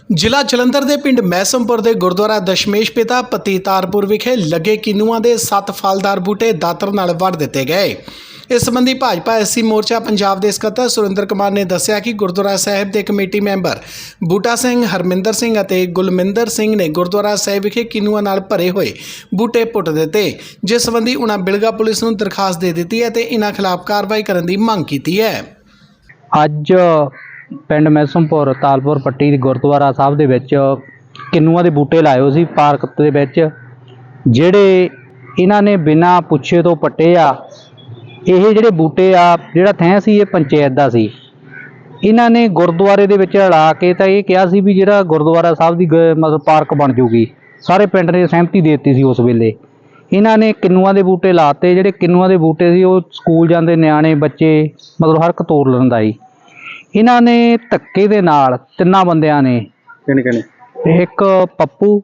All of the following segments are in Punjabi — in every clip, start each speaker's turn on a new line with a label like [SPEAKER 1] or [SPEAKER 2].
[SPEAKER 1] ਜ਼ਿਲ੍ਹਾ ਜਲੰਧਰ ਦੇ ਪਿੰਡ ਮੈਸਮਪੁਰ ਦੇ ਗੁਰਦੁਆਰਾ ਦਸ਼ਮੇਸ਼ ਪਿਤਾ ਪਤੀਤਾਰਪੁਰ ਵਿਖੇ ਲੱਗੇ ਕਿੰਨੂਆਂ ਦੇ 7 ਫਲਦਾਰ ਬੂਟੇ ਦਾਤਰ ਨਾਲ ਵੱਢ ਦਿੱਤੇ ਗਏ। ਇਸ ਸੰਬੰਧੀ ਭਾਜਪਾ ਐਸਸੀ ਮੋਰਚਾ ਪੰਜਾਬ ਦੇ ਸਕੱਤਰ ਸੁਰਿੰਦਰ ਕੁਮਾਰ ਨੇ ਦੱਸਿਆ ਕਿ ਗੁਰਦੁਆਰਾ ਸਾਹਿਬ ਦੇ ਕਮੇਟੀ ਮੈਂਬਰ ਬੂਟਾ ਸਿੰਘ, ਹਰਮਿੰਦਰ ਸਿੰਘ ਅਤੇ ਗੁਲਮਿੰਦਰ ਸਿੰਘ ਨੇ ਗੁਰਦੁਆਰਾ ਸਾਹਿਬ ਵਿਖੇ ਕਿੰਨੂਆਂ ਨਾਲ ਭਰੇ ਹੋਏ ਬੂਟੇ ਪੁੱਟ ਦਿੱਤੇ, ਜਿਸ ਸੰਬੰਧੀ ਉਨ੍ਹਾਂ ਬਿਲਗਾ ਪੁਲਿਸ ਨੂੰ ਦਰਖਾਸਤ ਦੇ ਦਿੱਤੀ ਹੈ ਤੇ ਇਨ੍ਹਾਂ ਖਿਲਾਫ ਕਾਰਵਾਈ ਕਰਨ ਦੀ ਮੰਗ ਕੀਤੀ ਹੈ।
[SPEAKER 2] ਅੱਜ ਪਿੰਡ ਮੈਸਮਪੁਰ ਤਾਲਪੁਰ ਪੱਟੀ ਦੇ ਗੁਰਦੁਆਰਾ ਸਾਹਿਬ ਦੇ ਵਿੱਚ ਕਿੰਨੂਆਂ ਦੇ ਬੂਟੇ ਲਾਏ ਹੋਏ ਸੀ ਪਾਰਕ ਦੇ ਵਿੱਚ, ਜਿਹੜੇ ਇਹਨਾਂ ਨੇ ਬਿਨਾਂ ਪੁੱਛੇ ਤੋਂ ਪੱਟੇ ਆ। ਇਹ ਜਿਹੜੇ ਬੂਟੇ ਆ, ਜਿਹੜਾ ਥੈਂ ਸੀ ਇਹ ਪੰਚਾਇਤ ਦਾ ਸੀ। ਇਹਨਾਂ ਨੇ ਗੁਰਦੁਆਰੇ ਦੇ ਵਿੱਚ ਲਾ ਕੇ ਤਾਂ ਇਹ ਕਿਹਾ ਸੀ ਵੀ ਜਿਹੜਾ ਗੁਰਦੁਆਰਾ ਸਾਹਿਬ ਦੀ ਮਤਲਬ ਪਾਰਕ ਬਣ ਜੂਗੀ। ਸਾਰੇ ਪਿੰਡ ਨੇ ਸਹਿਮਤੀ ਦੇ ਦਿੱਤੀ ਸੀ ਉਸ ਵੇਲੇ। ਇਹਨਾਂ ਨੇ ਕਿੰਨੂਆਂ ਦੇ ਬੂਟੇ ਲਾਤੇ। ਜਿਹੜੇ ਕਿੰਨੂਆਂ ਦੇ ਬੂਟੇ ਸੀ ਉਹ ਸਕੂਲ ਜਾਂਦੇ ਨਿਆਣੇ ਬੱਚੇ ਮਤਲਬ ਹਰ ਇੱਕ ਤੋੜ ਲੈਂਦਾ ਸੀ। ਇਹਨਾਂ ਨੇ ਧੱਕੇ ਦੇ ਨਾਲ 3 ਬੰਦਿਆਂ ਨੇ, ਇੱਕ ਪੱਪੂ,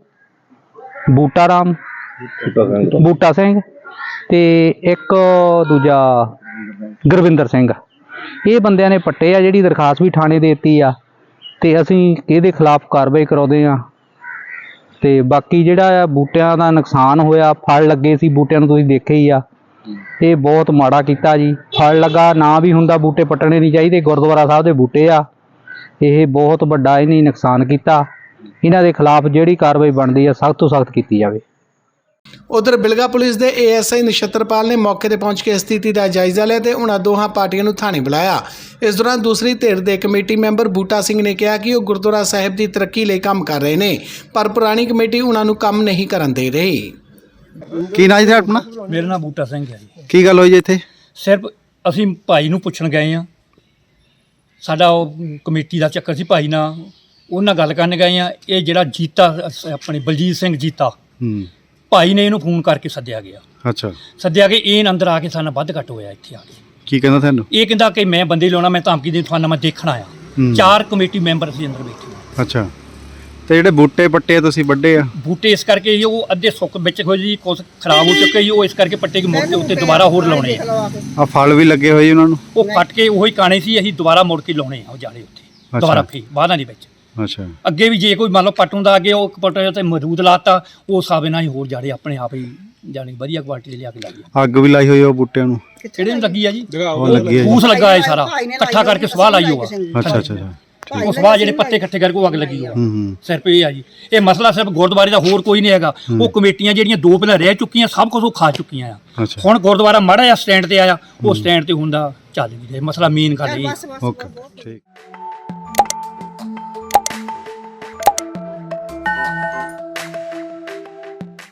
[SPEAKER 2] ਬੂਟਾ ਸਿੰਘ ਤੇ ਇੱਕ ਦੂਜਾ ਗੁਰਵਿੰਦਰ ਸਿੰਘ, ਇਹ ਬੰਦਿਆਂ ਨੇ ਪੱਟੇ ਆ। ਜਿਹੜੀ ਦਰਖਾਸਤ ਵੀ ਥਾਣੇ ਦੇ ਦਿੱਤੀ ਆ ਤੇ ਅਸੀਂ ਇਹਦੇ ਖਿਲਾਫ ਕਾਰਵਾਈ ਕਰਾਉਂਦੇ ਆ। ਤੇ ਬਾਕੀ ਜਿਹੜਾ ਬੂਟਿਆਂ ਦਾ ਨੁਕਸਾਨ ਹੋਇਆ, ਫਲ ਲੱਗੇ ਸੀ ਬੂਟਿਆਂ ਨੂੰ, ਤੁਸੀਂ ਦੇਖਿਆ ਹੀ ਆ। ਇਹ ਬਹੁਤ ਮਾੜਾ ਕੀਤਾ ਜੀ। ਫਲ ਲੱਗਾ ਨਾ ਵੀ ਹੁੰਦਾ, ਬੂਟੇ ਪੱਟਣੇ ਨਹੀਂ ਚਾਹੀਦੇ। ਗੁਰਦੁਆਰਾ ਸਾਹਿਬ ਦੇ ਬੂਟੇ ਆ, ਇਹ ਬਹੁਤ ਵੱਡਾ ਇਹਨੇ ਨੁਕਸਾਨ ਕੀਤਾ। ਇਹਨਾਂ ਦੇ ਖਿਲਾਫ ਜਿਹੜੀ ਕਾਰਵਾਈ ਬਣਦੀ ਆ ਸਖਤ ਤੋਂ ਸਖਤ ਕੀਤੀ ਜਾਵੇ।
[SPEAKER 1] ਉਧਰ ਬਿਲਗਾ ਪੁਲਿਸ ਦੇ ਏਐਸਆਈ ਨਛੱਤਰਪਾਲ ਨੇ ਮੌਕੇ ਤੇ ਪਹੁੰਚ ਕੇ ਸਥਿਤੀ ਦਾ ਜਾਇਜ਼ਾ ਲਿਆ ਤੇ ਉਹਨਾਂ ਦੋਹਾਂ ਪਾਰਟੀਆਂ ਨੂੰ ਥਾਣੇ ਬੁਲਾਇਆ। ਇਸ ਦੌਰਾਨ ਦੂਸਰੀ ਧਿਰ ਦੇ ਕਮੇਟੀ ਮੈਂਬਰ ਬੂਟਾ ਸਿੰਘ ਨੇ ਕਿਹਾ ਕਿ ਉਹ ਗੁਰਦੁਆਰਾ ਸਾਹਿਬ ਦੀ ਤਰੱਕੀ ਲਈ ਕੰਮ ਕਰ ਰਹੇ ਨੇ, ਪਰ ਪੁਰਾਣੀ ਕਮੇਟੀ ਉਹਨਾਂ ਨੂੰ ਕੰਮ ਨਹੀਂ ਕਰਨ ਦੇ ਰਹੀ।
[SPEAKER 3] ਕੀ ਨਾਂ ਜੀ ਆਪਣਾ?
[SPEAKER 4] ਮੇਰਾ ਨਾਮ ਬੂਟਾ ਸਿੰਘ ਹੈ ਜੀ।
[SPEAKER 3] ਕੀ ਗੱਲ ਹੋਈ ਜੀ ਇੱਥੇ?
[SPEAKER 4] ਸਿਰਫ ਅਸੀਂ ਭਾਈ ਨੂੰ ਪੁੱਛਣ ਗਏ ਆ। ਸਾਡਾ ਉਹ ਕਮੇਟੀ ਦਾ ਚੱਕਰ ਸੀ, ਭਾਈ ਨਾਲ ਉਹਨਾਂ ਗੱਲ ਕਰਨ ਗਏ ਆ। ਇਹ ਜਿਹੜਾ ਜੀਤਾ ਆਪਣੇ ਬਲਜੀਤ ਸਿੰਘ ਜੀਤਾ, ਭਾਈ ਨੇ ਇਹਨੂੰ ਫੋਨ ਕਰਕੇ ਸੱਦਿਆ ਗਿਆ।
[SPEAKER 3] ਅੱਛਾ,
[SPEAKER 4] ਸੱਦਿਆ ਕਿ ਇਹ ਅੰਦਰ ਆ ਕੇ ਸਾਨੂੰ ਵੱਧ ਘੱਟ ਹੋਇਆ। ਇੱਥੇ ਆ ਕੇ
[SPEAKER 3] ਕੀ ਕਹਿੰਦਾ ਤੁਹਾਨੂੰ?
[SPEAKER 4] ਇਹ ਕਹਿੰਦਾ ਕਿ ਮੈਂ ਬੰਦੇ ਲਾਉਣਾ, ਮੈਂ ਧਮਕੀ ਦੇ ਤੁਹਾਨੂੰ ਮੈਂ ਦੇਖਣ ਆਇਆ। 4 ਕਮੇਟੀ ਮੈਂਬਰ ਸੀ ਅੰਦਰ ਬੈਠੇ।
[SPEAKER 3] ਅੱਛਾ, ਤੇ ਜਿਹੜੇ ਬੂਟੇ ਪੱਟੇ ਤੁਸੀਂ ਵੱਡੇ ਆ?
[SPEAKER 4] ਬੂਟੇ ਇਸ ਕਰਕੇ ਜੀ ਉਹ ਅੱਧੇ ਸੁੱਕ ਵਿੱਚ ਹੋਏ ਜੀ, ਕੁਝ ਖਰਾਬ ਹੋ ਚੁੱਕੇ ਜੀ, ਉਹ ਇਸ ਕਰਕੇ ਪੱਟੇ ਕੇ ਮੁੜ ਕੇ ਉੱਤੇ ਦੁਬਾਰਾ ਹੋਰ ਲਾਉਣੇ ਆ।
[SPEAKER 3] ਆ ਫਲ ਵੀ ਲੱਗੇ ਹੋਏ ਉਹਨਾਂ ਨੂੰ?
[SPEAKER 4] ਉਹ ਫੱਟ ਕੇ ਉਹੀ ਕਾਣੇ ਸੀ, ਅਸੀਂ ਦੁਬਾਰਾ ਮੁੜ ਕੇ ਲਾਉਣੇ ਆ ਉਹ ਜਾਲੇ ਉੱਤੇ ਦੁਬਾਰਾ ਫੇਰ ਬਾਅਦਾਂ ਦੇ ਵਿੱਚ।
[SPEAKER 3] ਅੱਛਾ,
[SPEAKER 4] ਅੱਗੇ ਵੀ ਜੇ ਕੋਈ ਮੰਨ ਲਓ ਪੱਟੋਂ ਦਾ ਅੱਗੇ ਉਹ ਪੱਟੇ ਤੇ ਮਰੂਦ ਲਾਤਾ, ਉਹ ਸਾਬੇ ਨਾਲ ਹੀ ਹੋਰ ਜਾੜੇ ਆਪਣੇ ਆਪ ਹੀ ਜਾਣੀ ਵਧੀਆ ਕੁਆਲਿਟੀ ਦੇ ਲਿਆ ਕੇ ਲਾਈ।
[SPEAKER 3] ਅੱਗ ਵੀ ਲਾਈ ਹੋਈ ਆ ਉਹ ਬੂਟਿਆਂ ਨੂੰ?
[SPEAKER 4] ਕਿਹੜੇ ਨੂੰ ਲੱਗੀ ਆ ਜੀ?
[SPEAKER 3] ਉਹ ਲੱਗੀ ਹੈ।
[SPEAKER 4] ਫੂਸ ਲੱਗਾ ਹੈ ਸਾਰਾ ਇਕੱਠਾ ਕਰਕੇ ਸਵਾਹ ਲਾਈ ਹੋਗਾ।
[SPEAKER 3] ਅੱਛਾ ਅੱਛਾ ਅੱਛਾ,
[SPEAKER 4] ਉਹ ਸਵਾਹ ਜਿਹੜੇ ਪੱਤੇ ਇਕੱਠੇ ਕਰਕੇ ਉਹ ਅੱਗ ਲੱਗੀ ਹੋਗਾ। ਸਿਰਫ ਇਹ ਆ ਜੀ, ਇਹ ਮਸਲਾ ਸਿਰਫ ਗੁਰਦੁਆਰੇ ਦਾ, ਹੋਰ ਕੋਈ ਨਹੀਂ ਹੈਗਾ। ਉਹ ਕਮੇਟੀਆਂ ਜਿਹੜੀਆਂ 2 ਪਹਿਲਾਂ ਰਹਿ ਚੁੱਕੀਆਂ, ਸਭ ਕੁਝ ਉਹ ਖਾ ਚੁੱਕੀਆਂ ਆ। ਹੁਣ ਗੁਰਦੁਆਰਾ ਮਾੜਾ ਜਿਹਾ ਸਟੈਂਡ ਤੇ ਆਇਆ, ਉਹ ਸਟੈਂਡ ਤੇ ਹੁੰਦਾ ਚੱਲ ਵੀ ਰਿਹਾ। ਮਸਲਾ ਮੇਨ ਗੱਲ ਇਹ।
[SPEAKER 3] ਓਕੇ, ਠੀਕ।